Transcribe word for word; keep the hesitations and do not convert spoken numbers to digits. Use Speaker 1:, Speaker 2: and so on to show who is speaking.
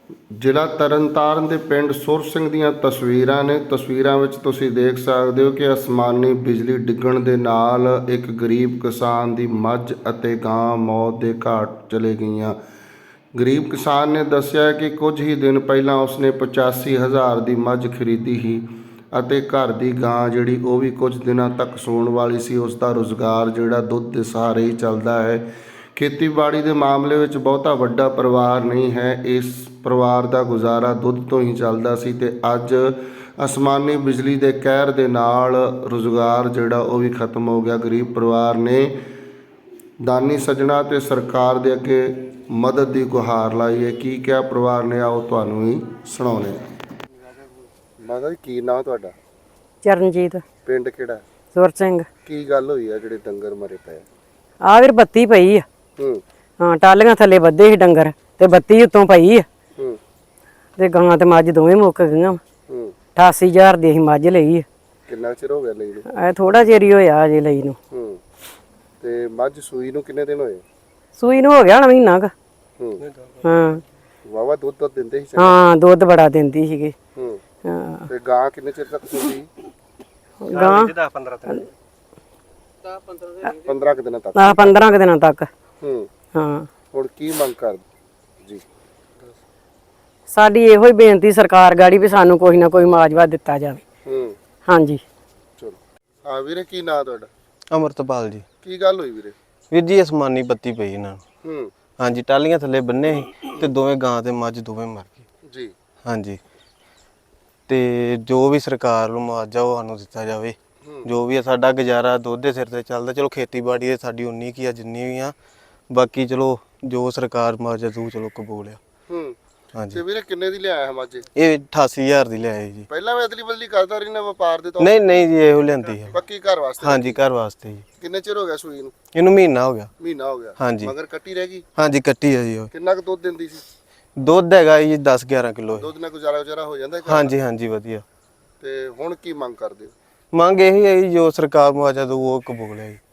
Speaker 1: ਜ਼ਿਲ੍ਹਾ ਤਰਨਤਾਰਨ ਦੇ ਪਿੰਡ ਸੁਰ ਸਿੰਘ ਦੀਆਂ ਤਸਵੀਰਾਂ ਨੇ। ਤਸਵੀਰਾਂ ਵਿੱਚ ਤੁਸੀਂ ਦੇਖ ਸਕਦੇ ਹੋ ਕਿ ਅਸਮਾਨੀ ਬਿਜਲੀ ਡਿੱਗਣ ਦੇ ਨਾਲ ਇੱਕ ਗਰੀਬ ਕਿਸਾਨ ਦੀ ਮੱਝ ਅਤੇ ਗਾਂ ਮੌਤ ਦੇ ਘਾਟ ਚਲੇ ਗਈਆਂ। ਗਰੀਬ ਕਿਸਾਨ ਨੇ ਦੱਸਿਆ ਕਿ ਕੁਝ ਹੀ ਦਿਨ ਪਹਿਲਾਂ ਉਸਨੇ ਪਚਾਸੀ ਹਜ਼ਾਰ ਦੀ ਮੱਝ ਖਰੀਦੀ ਸੀ ਅਤੇ ਘਰ ਦੀ ਗਾਂ ਜਿਹੜੀ ਉਹ ਵੀ ਕੁਝ ਦਿਨਾਂ ਤੱਕ ਸੂਣ ਵਾਲੀ ਸੀ। ਉਸ ਦਾ ਰੁਜ਼ਗਾਰ ਜਿਹੜਾ ਦੁੱਧ ਦੇ ਸਹਾਰੇ ਹੀ ਚੱਲਦਾ ਹੈ। ਖੇਤੀਬਾੜੀ ਦੇ ਮਾਮਲੇ ਵਿੱਚ ਬਹੁਤਾ ਵੱਡਾ ਪਰਿਵਾਰ ਨਹੀਂ ਹੈ। ਇਸ ਪਰਿਵਾਰ ਦਾ ਗੁਜ਼ਾਰਾ ਦੁੱਧ ਤੋਂ ਹੀ ਚੱਲਦਾ ਸੀ ਤੇ ਅੱਜ ਅਸਮਾਨੀ ਬਿਜਲੀ ਦੇ ਕਹਿਰ ਦੇ ਨਾਲ ਰੁਜ਼ਗਾਰ ਜਿਹੜਾ ਉਹ ਵੀ ਖਤਮ ਹੋ ਗਿਆ। ਗਰੀਬ ਪਰਿਵਾਰ ਨੇ ਦਾਨੀ ਸੱਜਣਾ ਤੇ ਸਰਕਾਰ ਦੇ ਅੱਗੇ ਮਦਦ ਦੀ ਗੁਹਾਰ ਲਾਈ ਹੈ। ਕੀ ਕਿਹਾ ਪਰਿਵਾਰ ਨੇ, ਆਓ ਤੁਹਾਨੂੰ ਹੀ ਸੁਣਾਉਂਦੇ ਹਾਂ। ਮਾਤਾ ਜੀ, ਕੀ ਨਾਂ ਤੁਹਾਡਾ?
Speaker 2: ਚਰਨਜੀਤ।
Speaker 1: ਪਿੰਡ ਕਿਹੜਾ?
Speaker 2: ਸੁਰ ਸਿੰਘ।
Speaker 1: ਕੀ ਗੱਲ ਹੋਈ ਆ ਜਿਹੜੇ ਡੰਗਰ ਮਰੇ ਪਏ?
Speaker 2: ਆ ਵੀਰ ਬੱਤੀ ਪਈ ਆ।
Speaker 1: ਹੂੰ
Speaker 2: ਹਾਂ, ਟਾਲੀਆਂ ਥੱਲੇ ਬੱਧੇ ਸੀ ਡੰਗਰ ਤੇ ਬੱਤੀ ਉੱਤੋਂ ਪਈ ਆ
Speaker 1: ਹੂੰ
Speaker 2: ਤੇ ਗਾਂ ਤੇ ਮੱਝ ਦੋਵੇਂ ਮੁੱਕ ਗਈਆਂ।
Speaker 1: ਹੂੰ
Speaker 2: ਅਠਾਸੀ ਹਜ਼ਾਰ ਦੀ ਅਸੀਂ ਮੱਝ ਲਈ ਆ।
Speaker 1: ਕਿੰਨਾ ਚਿਰ ਹੋ ਗਿਆ ਲਈ ਨੂੰ?
Speaker 2: ਐ ਥੋੜਾ ਚਿਰ ਹੀ ਹੋਇਆ ਅਜੇ ਲਈ ਨੂੰ।
Speaker 1: ਹੂੰ ਤੇ ਮੱਝ ਸੂਈ ਨੂੰ ਕਿੰਨੇ ਦਿਨ ਹੋਏ?
Speaker 2: ਸੂਈ ਨੂੰ ਹੋ ਗਿਆ ਨਾ ਮਹੀਨਾ ਕ।
Speaker 1: ਹੂੰ
Speaker 2: ਹਾਂ
Speaker 1: ਵਾਵਾ ਦੁੱਧ ਤਾਂ ਦਿੰਦੇ ਸੀ?
Speaker 2: ਹਾਂ, ਦੁੱਧ ਬੜਾ ਦਿੰਦੀ ਸੀਗੀ।
Speaker 1: ਹੂੰ
Speaker 2: ਹਾਂ,
Speaker 1: ਤੇ ਗਾਂ ਕਿੰਨੇ ਚਿਰ ਤੱਕ ਸੂਈ?
Speaker 2: ਗਾਂ
Speaker 1: ਦਸ ਪੰਦਰਾਂ ਦਿਨ ਪੰਦਰਾਂ ਕੁ ਦਿਨਾਂ ਤੱਕ।
Speaker 2: ਆ ਪੰਦਰਾਂ ਕੁ ਦਿਨਾਂ ਤੱਕ।
Speaker 1: ਹੂੰ
Speaker 2: ਹਾਂ, ਹੁਣ
Speaker 1: ਕੀ ਮੰਗ ਕਰ ਜੀ?
Speaker 2: ਸਾਡੀ ਇਹੋ ਹੀ ਬੇਨਤੀ ਸਰਕਾਰ ਗਾੜੀ ਵੀ ਸਾਨੂੰ ਕੋਈ ਨਾ ਕੋਈ ਮੁਆਵਜ਼ਾ ਦਿੱਤਾ ਜਾਵੇ।
Speaker 1: ਹੂੰ
Speaker 2: ਹਾਂਜੀ
Speaker 1: ਚਲੋ। ਹਾਂ ਵੀਰੇ, ਕੀ ਨਾਂ ਤੁਹਾਡਾ?
Speaker 3: ਅਮਰਤਪਾਲ ਜੀ।
Speaker 1: ਕੀ ਗੱਲ ਹੋਈ ਵੀਰੇ?
Speaker 3: ਵੀਰ ਜੀ, ਅਸਮਾਨੀ ਬੱਤੀ ਪਈ ਇਹਨਾਂ ਨੂੰ।
Speaker 1: ਹੂੰ
Speaker 3: ਹਾਂਜੀ, ਟਾਲੀਆਂ ਥੱਲੇ ਬੰਨੇ ਸੀ ਤੇ ਦੋਵੇਂ ਗਾਂ ਤੇ ਮੱਝ ਦੋਵੇਂ ਮਰ ਗਏ
Speaker 1: ਜੀ।
Speaker 3: ਹਾਂਜੀ, ਤੇ ਜੋ ਵੀ ਸਰਕਾਰ ਨੂੰ ਮੁਆਵਜ਼ਾ ਉਹ ਸਾਨੂੰ ਦਿੱਤਾ ਜਾਵੇ। ਜੋ ਵੀ ਆ, ਸਾਡਾ ਗੁਜ਼ਾਰਾ ਦੁੱਧ ਦੇ ਸਿਰ ਤੇ ਚੱਲਦਾ। ਚਲੋ ਖੇਤੀਬਾੜੀ ਦੇ ਸਾਡੀ ਉਨੀ ਕੀ ਆ ਜਿੰਨੀ ਵੀ ਆ, ਬਾਕੀ ਚਲੋ ਜੋ ਸਰਕਾਰ ਮੁਆਵਜ਼ਾ ਦੂ ਚਲੋ ਕਬੂਲ ਆ।
Speaker 1: ਹੂੰ
Speaker 3: ਹਾਂਜੀ।
Speaker 1: ਤੇ ਵੀਰੇ ਕਿੰਨੇ ਦੀ ਲਿਆਇਆ ਮੱਝ?
Speaker 3: ਇਹ ਅਠਾਸੀ ਹਜ਼ਾਰ ਦੀ ਲਿਆਏ ਜੀ।
Speaker 1: ਪਹਿਲਾਂ ਵੀ ਅਦਲੀ ਬਦਲੀ ਕਰਦਾ ਰਹੀ ਨਾ ਵਪਾਰ ਦੇ ਤੌਰ?
Speaker 3: ਨਹੀਂ ਨਹੀਂ ਜੀ, ਇਹੋ ਲਿਆਂਦੀ ਹੈ।
Speaker 1: ਪੱਕੀ ਘਰ ਵਾਸਤੇ?
Speaker 3: ਹਾਂਜੀ, ਘਰ ਵਾਸਤੇ ਜੀ।
Speaker 1: ਕਿੰਨੇ ਚਿਰ ਹੋ ਗਿਆ ਸੂਈ ਨੂੰ?
Speaker 3: ਇਹਨੂੰ ਮਹੀਨਾ ਹੋ ਗਿਆ।
Speaker 1: ਮਹੀਨਾ ਹੋ ਗਿਆ?
Speaker 3: ਹਾਂਜੀ।
Speaker 1: ਮਗਰ ਕੱਟੀ ਰਹਿ ਗਈ?
Speaker 3: ਹਾਂਜੀ, ਕੱਟੀ ਆ ਜੀ। ਉਹ
Speaker 1: ਕਿੰਨਾ ਕੁ ਦੁੱਧ ਦਿੰਦੀ ਸੀ?
Speaker 3: ਦੁੱਧ ਹੈਗਾ ਜੀ ਦਸ ਗਿਆਰਾਂ ਕਿਲੋ।
Speaker 1: ਦੁੱਧ ਨਾਲ ਗੁਜ਼ਾਰਾ ਗੁਜ਼ਾਰਾ ਹੋ ਜਾਂਦਾ?
Speaker 3: ਹਾਂਜੀ ਹਾਂਜੀ, ਵਧੀਆ।
Speaker 1: ਤੇ ਹੁਣ ਕੀ ਮੰਗ ਕਰਦੇ ਹੋ?
Speaker 3: ਮੰਗ ਇਹੀ ਹੈ ਜੀ, ਜੋ ਸਰਕਾਰ ਮੁਆਵਜ਼ਾ ਦਊ ਉਹ ਕਬੂਲ ਹੈ ਜੀ।